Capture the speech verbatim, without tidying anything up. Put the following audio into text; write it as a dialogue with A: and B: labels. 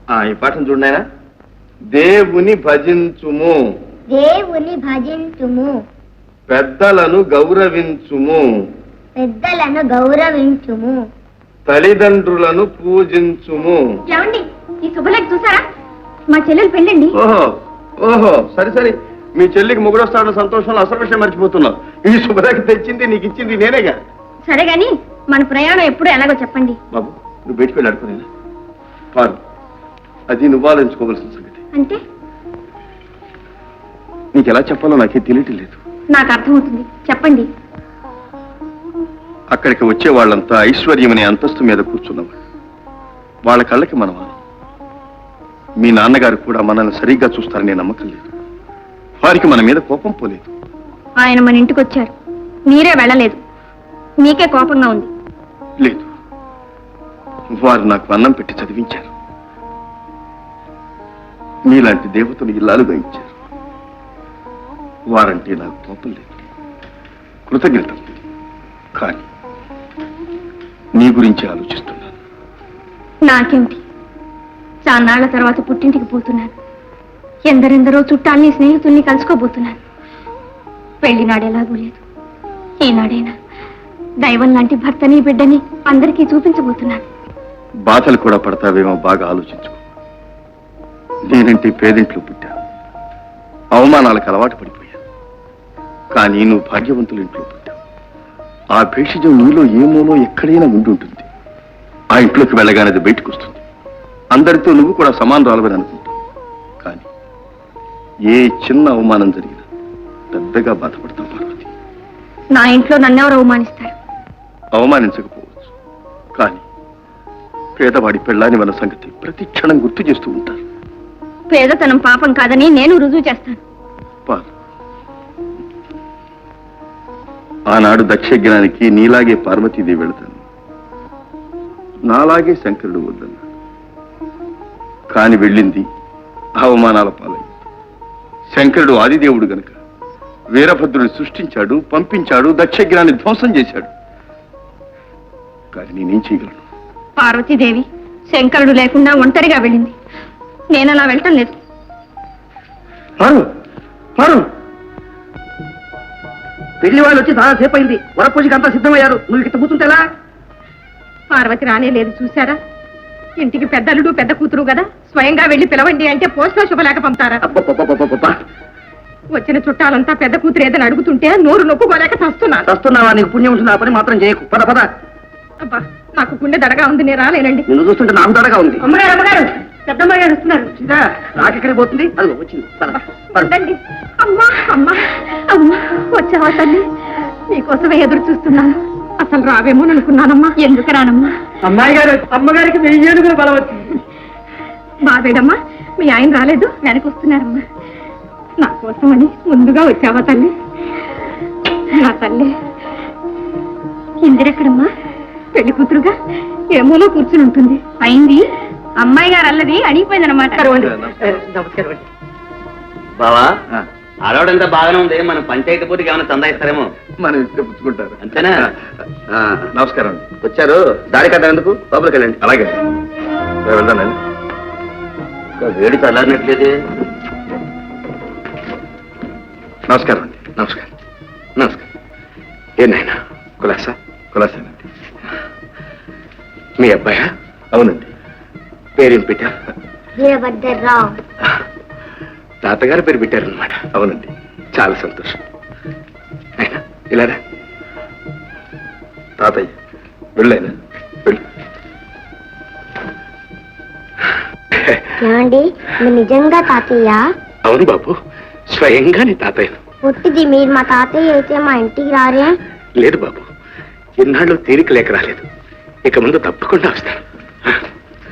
A: ఈ పాఠం చూడనాయనా. దేవుని భజించుము,
B: దేవుని భజించుము,
A: పెద్దలను గౌరవించుము,
B: పెద్దలను గౌరవించుము,
A: తల్లిదండ్రులను పూజించుము.
B: ఏమండి ఈ శుభలేఖ చూసారా? మా చెల్లెలు పెళ్ళండి.
A: ఓహో ఓహో సరే సరే, మీ చెల్లికి ముగ్గురొస్తాడన్న సంతోషంలో అసలు విషయం మర్చిపోతున్నావు. ఈ శుభలేఖ తెచ్చింది నీకు ఇచ్చింది నేనేగా.
B: సరే గాని మన ప్రయాణం ఎప్పుడు ఎలాగో చెప్పండి.
A: బాబు నువ్వు బయటికి వెళ్ళి అడుకునేనా పారు, అది నువ్వు ఆలోచించుకోవాల్సిన సంగతి.
B: అంటే
A: నీకు ఎలా చెప్పాలో నాకే తెలియటం లేదు.
B: నాకు అర్థమవుతుంది, చెప్పండి.
A: అక్కడికి వచ్చే వాళ్ళంతా ఐశ్వర్యం అనే అంతస్తు మీద కూర్చున్నవాళ్ళు. వాళ్ళ కళ్ళకి మనం మీ నాన్నగారు కూడా మనల్ని సరిగ్గా చూస్తారనే నమ్మకం లేదు. వారికి మన మీద కోపం పోలేదు.
B: ఆయన మన ఇంటికి వచ్చారు, మీరే వెళ్ళలేదు, మీకే కోపంగా ఉంది.
A: లేదు, వారు నాకు అన్నం పెట్టి చదివించారు. మీలాంటి దేవతను ఇల్లాలుగా ఇచ్చారు. వారంటే నాకు కోపం లేదు, కృతజ్ఞత. కానీ నీ గురించి ఆలోచిస్తున్నాను.
B: నాకేమిటి, చాన్నాళ్ల తర్వాత పుట్టింటికి పోతున్నాను. ఎందరెందరో చుట్టాల్ని స్నేహితుల్ని కలుసుకోబోతున్నాను. పెళ్లినాడు ఎలాగూ లేదు, ఈనాడైనా దైవం లాంటి భర్తని బిడ్డని అందరికీ చూపించబోతున్నాను.
A: బాధలు కూడా పడతావేమో బాగా ఆలోచించుకో. నేనంటే పేదింట్లో పుట్టాను, అవమానాలకు అలవాటు పడిపోయాను. కానీ నువ్వు భాగ్యవంతుల ఇంట్లో పుట్టావు. ఆ భేషజం నీలో ఏమోలో ఎక్కడైనా ఉండి ఉంటుంది. ఆ ఇంట్లోకి వెళ్ళగానే అది బయటకు వస్తుంది. అందరితో నువ్వు కూడా సమానరాలవని అనుకుంటావు. కానీ ఏ చిన్న అవమానం జరిగినా పెద్దగా బాధపడతావు పార్వతి.
B: నా ఇంట్లో నన్నెవరు అవమానిస్తారు?
A: అవమానించకపోవచ్చు, కానీ పేదవాడి పెళ్ళాని మన సంగతి ప్రతి క్షణం గుర్తు చేస్తూ ఉంటారు.
B: పేదతనం పాపం కాదని నేను రుజువు చేస్తాను.
A: ఆనాడు దక్షజ్ఞానికి నీలాగే పార్వతీదేవి వెళతాను, నాలాగే శంకరుడు వద్దన్నాడు. కాని వెళ్ళింది అవమానాల పాలైంది. శంకరుడు ఆదిదేవుడు గనుక వీరభద్రుని సృష్టించాడు, పంపించాడు, దక్షజ్ఞాన్ని ధ్వంసం చేశాడు. కానీ నేనేం చేయగలను?
B: పార్వతీదేవి శంకరుడు లేకుండా ఒంటరిగా వెళ్ళింది, నేను అలా వెళ్ళటం లేదు.
C: పెళ్లి వాళ్ళు వచ్చి చాలా సేపు అయింది, వరపూజకి అంతా సిద్ధమయ్యారు. నువ్వు ఇక్కడ కూర్చుంటేలా?
B: పార్వతి రానే లేదు, చూసారా? ఇంటికి పెద్దలుడు పెద్ద కూతురు కదా, స్వయంగా వెళ్ళి పిలవండి అంటే పోస్ట్లో శుభలేఖ పంపుతారా? వచ్చిన చుట్టాలంతా పెద్ద కూతురు ఏదని అడుగుతుంటే నోరు నొప్పుకోలేక చస్తున్నా.
C: చస్తున్నావా? నీకు పుణ్యం ఉంటుంది, ఆ పని మాత్రం చేయకు. పద పద.
B: అబ్బా నాకు గుండె దడగా ఉంది, నేను రాలేనండి.
C: నిన్ను చూస్తుంటే నాకు దడగా ఉంది.
B: అమ్మగారు అమ్మగారు పెద్దమ్మ గారు వస్తున్నారు.
C: నాకెక్కడికి పోతుంది? అది వచ్చింది.
B: అమ్మా అమ్మా అమ్మా వచ్చావా తల్లి? నీకోసమే ఎదురు చూస్తున్నాను. అసలు రావేమో అనుకున్నానమ్మా. ఎందుకు రానమ్మా?
C: అమ్మాయి గారు అమ్మగారికి వెయ్యి ఏనుగులు బలం వచ్చింది.
B: బాబేడమ్మా మీ ఆయన రాలేదు, వెనక్కి వస్తున్నారమ్మా. నా కోసమని ముందుగా వచ్చావా తల్లి? నా తల్లి ఇందిరెక్కడమ్మా? పెళ్లి కూతురుగా ఏమోలో కూర్చుని ఉంటుంది. అయింది అమ్మాయి గారు అల్లది అడిగిపోయిందనమాట.
C: నమస్కారం.
D: బావా ఆడవాడంతా బాగానే ఉంది, మనం పంచాయతీ పూర్తికి ఏమైనా చందా ఇస్తారేమో.
A: మనం ఇస్తే పుచ్చుకుంటారు
D: అంతేనా?
A: నమస్కారం.
D: వచ్చారు, దారి కట్ట ఎందుకు లోపలికి వెళ్ళండి.
A: అలాగే వెళ్దానండి.
D: వేడి చల్లారినట్లేదు.
A: నమస్కారం అండి.
D: నమస్కారం. నమస్కారం. ఏనాయనా కులాసా?
A: కులాసేనండి.
D: మీ అబ్బాయా?
A: అవునండి.
D: పేరేం పెట్టారు?
B: వీరభద్రరావు.
D: తాతగారు పేరు పెట్టారనమాట.
A: అవునండి.
D: చాలా సంతోషం. అయినా ఇలారా
A: తాతయ్య వెళ్ళైనా వెళ్ళు.
B: ఏమండి మీరు నిజంగా తాతయ్య?
D: అవును బాబు, స్వయంగా నీ తాతయ్యను.
B: పుట్టిది మీరు మా తాతయ్య అయితే మా ఇంటికి రారే?
D: లేదు బాబు, ఇన్నాళ్ళు తీరిక లేక రాలేదు. ఇక ముందు తప్పకుండా వస్తాను.